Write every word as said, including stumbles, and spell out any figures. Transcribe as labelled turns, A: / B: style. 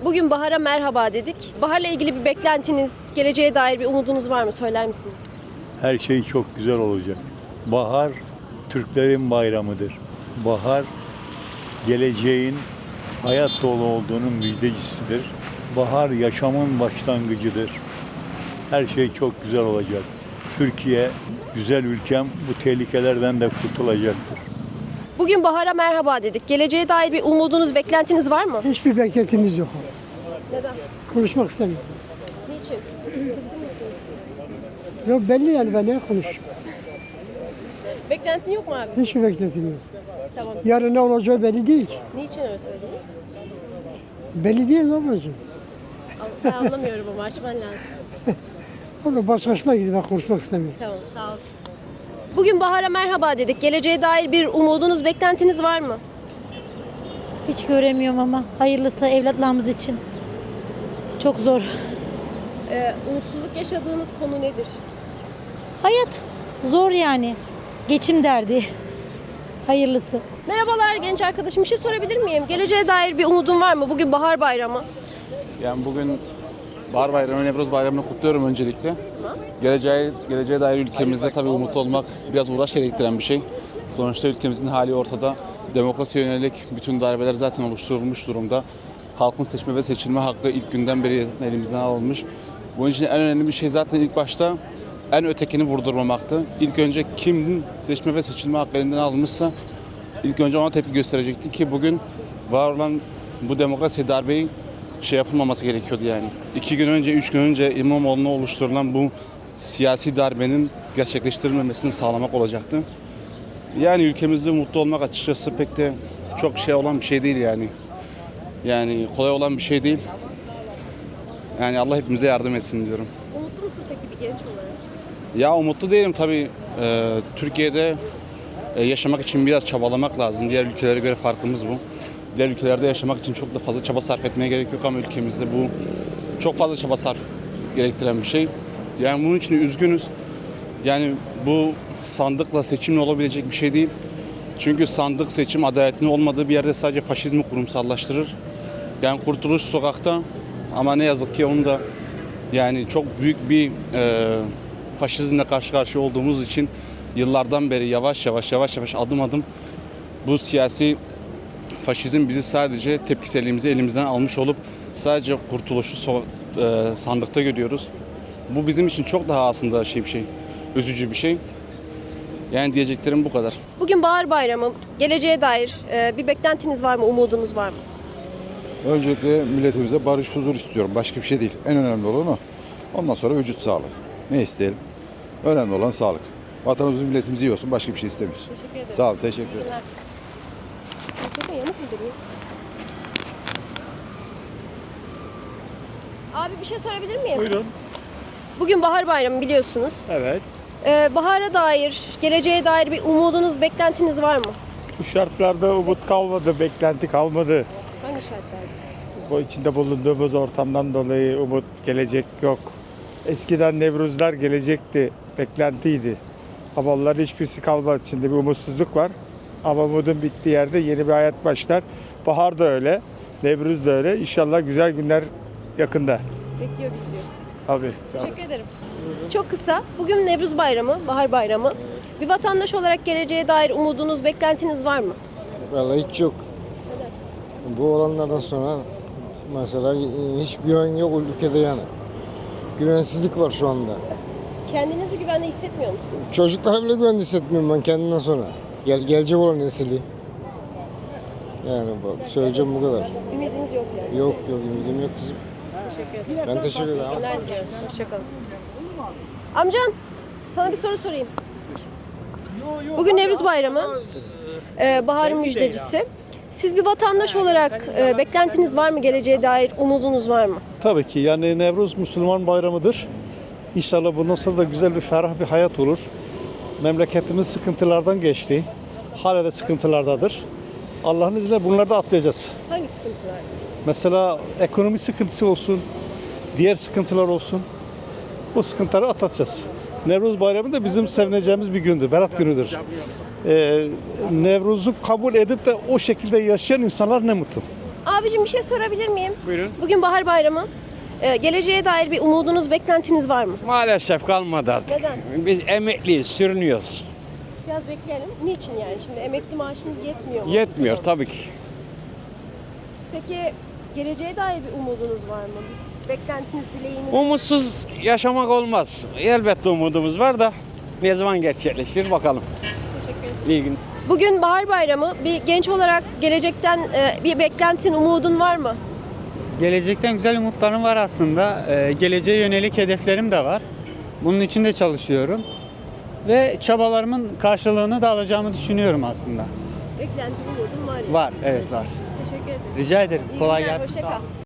A: Bugün bahara merhaba dedik. Baharla ilgili bir beklentiniz, geleceğe dair bir umudunuz var mı? Söyler misiniz?
B: Her şey çok güzel olacak. Bahar Türklerin bayramıdır. Bahar geleceğin hayat dolu olduğunun müjdecisidir. Bahar yaşamın başlangıcıdır. Her şey çok güzel olacak. Türkiye, güzel ülkem bu tehlikelerden de kurtulacaktır.
A: Bugün bahara merhaba dedik. Geleceğe dair bir umudunuz, beklentiniz var mı?
C: Hiçbir beklentimiz yok.
A: Neden?
C: Konuşmak istemiyorum.
A: Niçin? Kızgın mısınız?
C: Yok belli yani ben ne konuş.
A: Beklentin yok mu abi?
C: Hiçbir beklentim yok.
A: Tamam.
C: Yarın ne olacağı belli değil ki.
A: Niçin öyle söylediniz?
C: Belli değil mi ablacığım?
A: Ben anlamıyorum ama açman lazım.
C: O da başkasına gidiyor, ben konuşmak istemiyorum.
A: Tamam, sağ olsun. Bugün bahara merhaba dedik. Geleceğe dair bir umudunuz, beklentiniz var mı?
D: Hiç göremiyorum ama hayırlısı evlatlarımız için. Çok zor.
A: Ee, umutsuzluk yaşadığınız konu nedir?
D: Hayat zor yani. Geçim derdi. Hayırlısı.
A: Merhabalar genç arkadaşım, bir şey sorabilir miyim? Geleceğe dair bir umudun var mı? Bugün bahar bayramı.
E: Yani bugün Bahar Bayramı, Nevruz Bayramı'nı kutluyorum öncelikle. Geleceğe, geleceğe dair ülkemizde tabii umutlu olmak biraz uğraş gerektiren bir şey. Sonuçta ülkemizin hali ortada. Demokrasiye yönelik bütün darbeler zaten oluşturulmuş durumda. Halkın seçme ve seçilme hakkı ilk günden beri elimizden alınmış. Bunun için en önemli bir şey zaten ilk başta en ötekini vurdurmamaktı. İlk önce kimin seçme ve seçilme hakkı elinden alınmışsa ilk önce ona tepki gösterecekti ki bugün var olan bu demokrasi darbeyi şey yapılmaması gerekiyordu yani. İki gün önce, üç gün önce İmamoğlu'na oluşturulan bu siyasi darbenin gerçekleştirilmemesini sağlamak olacaktı. Yani ülkemizde mutlu olmak açıkçası pek de çok şey olan bir şey değil yani. Yani kolay olan bir şey değil. Yani Allah hepimize yardım etsin diyorum.
A: Umutlu musun peki bir genç olarak?
E: Ya umutlu değilim tabii. Ee, Türkiye'de e, yaşamak için biraz çabalamak lazım. Diğer ülkelere göre farkımız bu. Diğer ülkelerde yaşamak için çok da fazla çaba sarf etmeye gerek yok ama ülkemizde bu çok fazla çaba sarf gerektiren bir şey. Yani bunun için üzgünüz. Yani bu sandıkla seçimle olabilecek bir şey değil. Çünkü sandık seçim adaletinin olmadığı bir yerde sadece faşizmi kurumsallaştırır. Yani Kurtuluş Sokak'ta ama ne yazık ki onun da yani çok büyük bir e, faşizmle karşı karşıya olduğumuz için yıllardan beri yavaş yavaş yavaş yavaş adım adım bu siyasi faşizm bizi sadece tepkiselliğimizi elimizden almış olup sadece kurtuluşu so e, sandıkta görüyoruz. Bu bizim için çok daha aslında şey bir şey, üzücü bir şey. Yani diyeceklerim bu kadar.
A: Bugün bahar bayramı. Geleceğe dair e, bir beklentiniz var mı? Umudunuz var mı?
F: Öncelikle milletimize barış, huzur istiyorum. Başka bir şey değil. En önemli olan o. Ondan sonra vücut sağlığı. Ne isteyelim? Önemli olan sağlık. Vatanımızın milletimiz iyi olsun. Başka bir şey istemiyoruz.
A: Teşekkür ederim.
F: Sağ olun. Teşekkür ederim.
A: Mikrofon yanık mı duruyor? Abi bir şey sorabilir miyim?
G: Buyurun.
A: Bugün bahar bayramı biliyorsunuz.
G: Evet.
A: Ee, bahara dair, geleceğe dair bir umudunuz, beklentiniz var mı?
G: Bu şartlarda umut kalmadı, beklenti kalmadı.
A: Hangi şartlarda?
G: Bu içinde bulunduğumuz ortamdan dolayı umut, gelecek yok. Eskiden Nevruzlar gelecekti, beklentiydi. Ama onların hiçbirisi kalmadı. Şimdi bir umutsuzluk var. Ama umudun bittiği yerde yeni bir hayat başlar. Bahar da öyle, Nevruz da öyle. İnşallah güzel günler yakında.
A: Bekliyoruz diyor.
G: Abi.
A: Teşekkür ederim. Çok kısa. Bugün Nevruz Bayramı, bahar bayramı. Bir vatandaş olarak geleceğe dair umudunuz, beklentiniz var mı?
H: Vallahi hiç yok. Bu olanlardan sonra mesela hiç güven yok ülkede yani. Güvensizlik var şu anda.
A: Kendinizi güvende hissetmiyor musunuz?
H: Çocuklara bile güvende hissetmiyorum ben kendimden sonra. Gel, gelecek olan nesili. Yani bu, söyleyeceğim bu kadar.
A: Ümidiniz yok yani.
H: Yok yok ümidim yok kızım.
A: Teşekkür ederim.
H: Ben teşekkür ederim.
A: İyi günler diliyorum. Hoşçakalın. Amcam, sana bir soru sorayım. Bugün Nevruz Bayramı, ee, baharın müjdecisi. Siz bir vatandaş olarak e, beklentiniz var mı? Geleceğe dair umudunuz var mı?
I: Tabii ki yani Nevruz Müslüman bayramıdır. İnşallah bundan sonra da güzel bir ferah bir hayat olur. Memleketimiz sıkıntılardan geçti. Hala da sıkıntılardadır. Allah'ın izniyle bunları da atlayacağız.
A: Hangi sıkıntılar?
I: Mesela ekonomi sıkıntısı olsun, diğer sıkıntılar olsun. Bu sıkıntıları atlatacağız. Nevruz Bayramı da bizim sevineceğimiz bir gündür, berat günüdür. Ee, Nevruz'u kabul edip de o şekilde yaşayan insanlar ne mutlu.
A: Abicim bir şey sorabilir miyim?
J: Buyurun.
A: Bugün Bahar Bayramı. Ee, geleceğe dair bir umudunuz, beklentiniz var mı?
J: Maalesef kalmadı artık.
A: Neden?
J: Biz emekliyiz, sürünüyoruz.
A: Biraz bekleyelim. Niçin yani? Şimdi emekli maaşınız yetmiyor mu?
J: Yetmiyor tabii ki.
A: Peki geleceğe dair bir umudunuz var mı? Beklentiniz, dileğiniz?
J: Umutsuz yaşamak olmaz. Elbette umudumuz var da ne zaman gerçekleşir bakalım.
A: Teşekkür ederim.
J: İyi gün.
A: Bugün Bahar Bayramı. Bir genç olarak gelecekten e, bir beklentin, umudun var mı?
K: Gelecekten güzel umutlarım var aslında. Ee, geleceğe yönelik hedeflerim de var. Bunun için de çalışıyorum. Ve çabalarımın karşılığını da alacağımı düşünüyorum aslında.
A: Beklentin, umudun var ya.
K: Var, evet var.
A: Teşekkür ederim.
K: Rica ederim.
A: İyi
K: Kolay
A: günler,
K: gelsin.
A: hoşça
K: Sağ olun.
A: kal.